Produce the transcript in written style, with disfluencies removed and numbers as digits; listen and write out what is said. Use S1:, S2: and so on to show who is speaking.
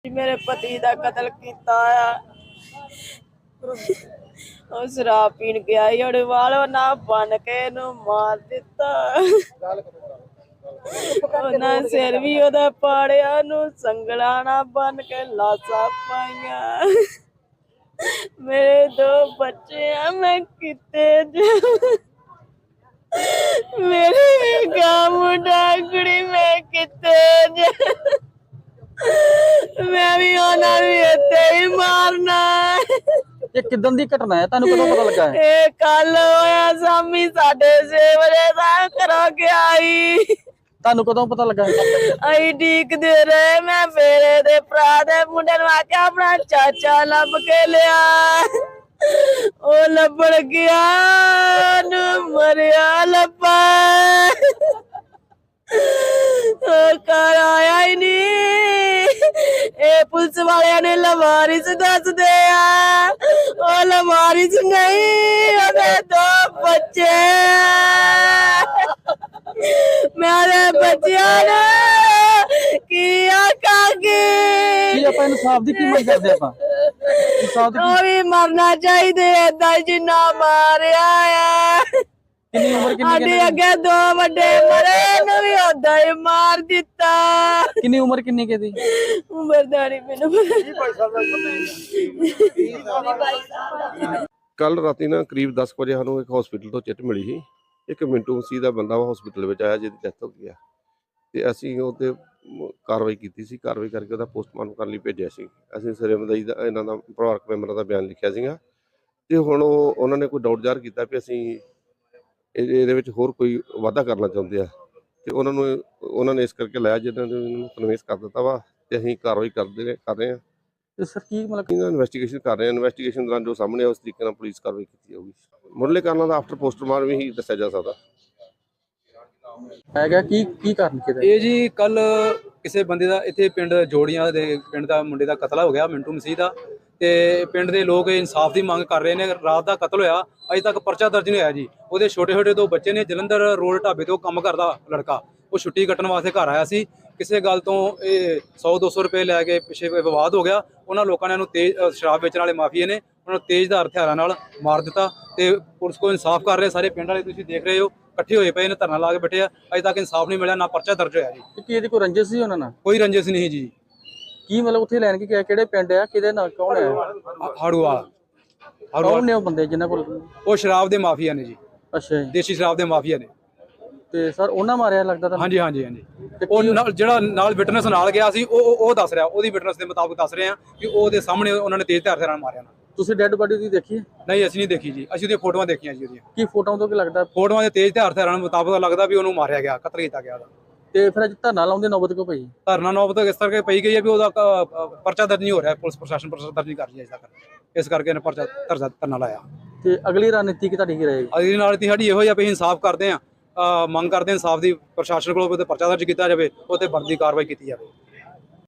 S1: मेरे पति का कत्ल किया आ। ਉਹ ਸ਼ਰਾਬ ਪੀਣ ਗਿਆ ਹੀ ਉਹਦੇ ਵਾਲੋਂ ਨਾ ਬਨ ਕੇ ਇਹਨੂੰ ਮਾਰ ਦਿੱਤਾ। ਉਹਨਾਂ ਸਿਰ ਵੀ ਉਹਦਾ ਪਾੜਿਆ, ਨੂੰ ਸੰਗਲਾਂ ਨਾ ਬਨ ਕੇ ਲਾਸ਼ਾਂ ਪਾਈਆਂ। ਮੇਰੇ 2 ਬੱਚੇ ਆ, ਮੈਂ ਕਿਤੇ ਜਾਵਾਂ। ਮੇਰੇ ਗਾ ਮੁੰਡਾ ਕੁੜੀ, ਮੈਂ ਕਿਤੇ ਜਾਵਾਂ। मैं भी होना भी इत्थे ही मारना।
S2: ये किदन दी घटना है, तानू कदों पता लगा है?
S1: ये कल होया शामी 6:30 बजे दा घरों गया ही।
S2: तानू कदों पता लगा है?
S1: अई डीकदे रहे, मैं फेरे दे भरा दे मुंडे नूं आख्या अपना चाचा लब के लिया। ओ लभण गया नूं मरिया लब्बा। घर आया ही नहीं। पुलिस वाले ने लवारिस दस दे, लवारिस नहीं, 2 बच्चे। मेरे बच्चिया ने की आखांगे
S2: इंसाफ दी की मंग करदे आपां? इंसाफ दी
S1: भी मरना चाहिए ऐदा जिन्ना मारिया है।
S2: कितनी उम्र कितनी
S1: अगे 2 बड़े मरे, इन्हें भी ओदा ही मार दिता।
S2: कितनी उम्र कितनी के दी?
S1: उम्र दा नहीं मैनूं पता।
S3: ਕੱਲ ਰਾਤੀ ਨਾ ਕਰੀਬ 10 ਵਜੇ ਸਾਨੂੰ ਇੱਕ ਹਸਪੀਟਲ ਤੋਂ ਚਿੱਟ ਮਿਲੀ ਸੀ। ਇੱਕ ਮਿੰਟੂ ਮਸੀਹ ਦਾ ਬੰਦਾ ਵਾ ਹਸਪੀਟਲ ਵਿੱਚ ਆਇਆ, ਜਿਹਦੀ ਡੈਥ ਹੋ ਗਈ ਆ, ਤੇ ਅਸੀਂ ਉਹਤੇ ਕਾਰਵਾਈ ਕੀਤੀ ਸੀ। ਕਾਰਵਾਈ ਕਰਕੇ ਉਹਦਾ ਪੋਸਟਮਾਰਟਮ ਕਰਨ ਲਈ ਭੇਜਿਆ ਸੀ। ਅਸੀਂ ਸਵੇਰੇ ਮਦਈ ਦਾ ਇਹਨਾਂ ਦਾ ਪਰਿਵਾਰਕ ਮੈਂਬਰਾਂ ਦਾ ਬਿਆਨ ਲਿਖਿਆ ਸੀਗਾ, ਤੇ ਹੁਣ ਉਹਨਾਂ ਨੇ ਕੋਈ ਡਾਊਟ ਜ਼ਾਹਰ ਕੀਤਾ ਵੀ ਅਸੀਂ ਇਹਦੇ ਵਿੱਚ ਹੋਰ ਕੋਈ ਵਾਧਾ ਕਰਨਾ ਚਾਹੁੰਦੇ ਆ, ਤੇ ਉਹਨਾਂ ਨੇ ਇਸ ਕਰਕੇ ਲਾਇਆ, ਜਿਹਨਾਂ ਨੇ ਉਹਨੂੰ ਕਨਵਿੰਸ ਕਰ ਦਿੱਤਾ ਵਾ, ਤੇ ਅਸੀਂ ਕਾਰਵਾਈ ਕਰ ਰਹੇ ਹਾਂ।
S2: ਤੇ ਸਰ ਕੀ ਮਤਲਬ
S3: ਇਨਵੈਸਟੀਗੇਸ਼ਨ ਕਰ ਰਹੇ ਹਾਂ। ਇਨਵੈਸਟੀਗੇਸ਼ਨ ਦੌਰਾਨ ਜੋ ਸਾਹਮਣੇ ਉਸ ਤਰੀਕੇ ਨਾਲ ਪੁਲਿਸ ਕਾਰਵਾਈ ਕੀਤੀ ਜਾਊਗੀ। ਮੁੱਢਲੇ ਕਾਰਨਾਂ ਦਾ ਆਫਟਰ ਪੋਸਟਮਾਰਟਮ ਹੀ ਦੱਸਿਆ ਜਾ ਸਕਦਾ
S2: ਹੈਗਾ। ਕੀ ਕਾਰਨ ਕਿਹਦਾ?
S4: ਇਹ ਜੀ ਕੱਲ ਕਿਸੇ ਬੰਦੇ ਦਾ ਇੱਥੇ ਪਿੰਡ ਜੋੜੀਆਂ ਦੇ ਪਿੰਡ ਦਾ ਮੁੰਡੇ ਦਾ ਕਤਲ ਹੋ ਗਿਆ, ਮਿੰਟੂ ਮਸੀਹ ਦਾ, ਤੇ ਪਿੰਡ ਦੇ ਲੋਕ ਇਨਸਾਫ ਦੀ ਮੰਗ ਕਰ ਰਹੇ ਨੇ। ਰਾਤ ਦਾ ਕਤਲ ਹੋਇਆ, ਅਜੇ ਤੱਕ ਪਰਚਾ ਦਰਜ ਨਹੀਂ ਹੋਇਆ ਜੀ। ਉਹਦੇ ਛੋਟੇ 2 ਬੱਚੇ ਨੇ। ਜਲੰਧਰ ਰੋਡ ਢਾਬੇ ਤੋਂ ਕੰਮ ਕਰਦਾ ਲੜਕਾ, ਉਹ ਛੁੱਟੀ ਕੱਟਣ ਵਾਸਤੇ ਘਰ ਆਇਆ ਸੀ। ਕਿਸੇ ਗੱਲ ਤੋਂ ਇਹ 100-200 ਰੁਪਏ ਲੈ ਕੇ ਪਿੱਛੇ ਵਿਵਾਦ ਹੋ ਗਿਆ। ਉਹਨਾਂ ਲੋਕਾਂ ਨੇ ਇਹਨੂੰ ਤੇਜ਼ ਸ਼ਰਾਬ ਵੇਚਣ ਵਾਲੇ ਮਾਫੀਏ ਨੇ ਉਹਨਾਂ ਨੂੰ ਤੇਜ਼ਧਾਰ ਹਥਿਆਰਾਂ ਨਾਲ ਮਾਰ ਦਿੱਤਾ, ਤੇ ਪੁਲਿਸ ਕੋਲ ਇਨਸਾਫ ਕਰ ਰਹੇ ਸਾਰੇ ਪਿੰਡ ਵਾਲੇ। ਤੁਸੀਂ ਦੇਖ ਰਹੇ ਹੋ ਇਕੱਠੇ ਹੋਏ ਪਏ ਨੇ, ਧਰਨਾ ਲਾ ਕੇ ਬੈਠੇ ਆ। ਅਜੇ ਤੱਕ ਇਨਸਾਫ ਨਹੀਂ ਮਿਲਿਆ, ਨਾ ਪਰਚਾ ਦਰਜ ਹੋਇਆ ਜੀ।
S2: ਕੀ ਇਹਦੀ ਕੋਈ ਰੰਜਿਸ਼ ਸੀ ਉਹਨਾਂ ਨਾਲ?
S4: ਕੋਈ ਰੰਜਿਸ਼ ਨਹੀਂ ਜੀ।
S2: ਕੀ ਮਤਲਬ ਉੱਥੇ ਲੈਣ ਕੀ ਕਿਹੜੇ ਪਿੰਡ ਆ, ਕਿਹਦੇ ਨਾਲ, ਕੌਣ ਹੈ?
S4: ਹਾੜੂਵਾਲ
S2: ਕੌਣ ਨੇ ਉਹ ਬੰਦੇ ਜਿਨ੍ਹਾਂ ਕੋਲ?
S4: ਉਹ ਸ਼ਰਾਬ ਦੇ ਮਾਫੀਆ ਨੇ ਜੀ।
S2: ਅੱਛਾ ਜੀ।
S4: ਦੇਸੀ ਸ਼ਰਾਬ ਦੇ ਮਾਫੀਆ ਨੇ।
S2: ਤੇ ਸਰ ਉਹਨਾਂ ਮਾਰਿਆ ਲੱਗਦਾ ਤੁਹਾਨੂੰ?
S4: ਹਾਂਜੀ ਹਾਂਜੀ ਹਾਂਜੀ। ਉਹ ਜਿਹੜਾ ਨਾਲ ਵਿਟਨੈਸ ਨਾਲ ਗਿਆ ਸੀ, ਉਹ ਦੱਸ ਰਿਹਾ, ਉਹਦੀ ਵਿਟਨੈਸ ਦੇ ਮੁਤਾਬਕ ਦੱਸ ਰਹੇ ਆ ਕਿ ਉਹਦੇ ਸਾਹਮਣੇ ਉਹਨਾਂ ਨੇ ਤੇਜ਼ ਹਥਿਆਰਾਂ ਨਾਲ ਮਾਰਿਆ ਨਾ।
S2: ਤੁਸੀਂ ਡੈੱਡ ਬਾਡੀ ਦੀ ਦੇਖੀ?
S4: ਨਹੀਂ, ਅਸੀਂ ਨਹੀਂ ਦੇਖੀ ਜੀ। ਅਸੀਂ ਉਹਦੀਆਂ ਫੋਟੋਆਂ ਦੇਖੀਆਂ ਜੀ। ਉਹਦੀਆਂ
S2: ਕੀ ਫੋਟੋਆਂ ਤੋਂ ਕੀ ਲੱਗਦਾ?
S4: ਫੋਟੋਆਂ ਦੇ ਤੇਜ਼ ਹਥਿਆਰਾਂ ਦੇ ਮੁਤਾਬਕ ਲੱਗਦਾ ਵੀ ਉਹਨੂੰ ਮਾਰਿਆ ਗਿਆ, ਕਤਲ ਕੀਤਾ ਗਿਆ ਉਹਦਾ।
S2: ਤੇ ਫਿਰ ਅੱਜ ਧਰਨਾ ਲਾਉਂਦੇ ਨੌਬਤ ਕਿਉਂ ਪਈ?
S4: ਧਰਨਾ ਨੌਬਤ ਇਸ ਕਰਕੇ ਪਈ ਗਈ ਹੈ ਵੀ ਉਹਦਾ ਪਰਚਾ ਦਰਜ ਨਹੀਂ ਹੋ ਰਿਹਾ। ਪੁਲਿਸ ਪ੍ਰਸ਼ਾਸਨ ਪਰਚਾ ਦਰਜ ਨਹੀਂ ਕਰ ਰਹੀ ਅਜੇ ਤੱਕ, ਇਸ ਕਰਕੇ ਇਹਨੇ ਪਰਚਾ ਧਰਨਾ ਲਾਇਆ।
S2: ਤੇ ਅਗਲੀ ਰਣਨੀਤੀ ਕੀ ਤੁਹਾਡੀ ਕੀ ਰਹੇਗੀ?
S4: ਅਗਲੀ ਰਣਨੀਤੀ ਸਾਡੀ ਇਹੋ ਹੀ ਆ ਵੀ ਇਨਸਾਫ ਕਰਦੇ ਆ, ਮੰਗ ਕਰਦੇ ਇਨਸਾਫ ਦੀ। ਪ੍ਰਸ਼ਾਸਨ ਕੋਲੋਂ ਪਰਚਾ ਦਰਜ ਕੀਤਾ ਜਾਵੇ, ਉਹ ਤੇ ਬਣਦੀ ਕਾਰਵਾਈ ਕੀਤੀ ਜਾਵੇ।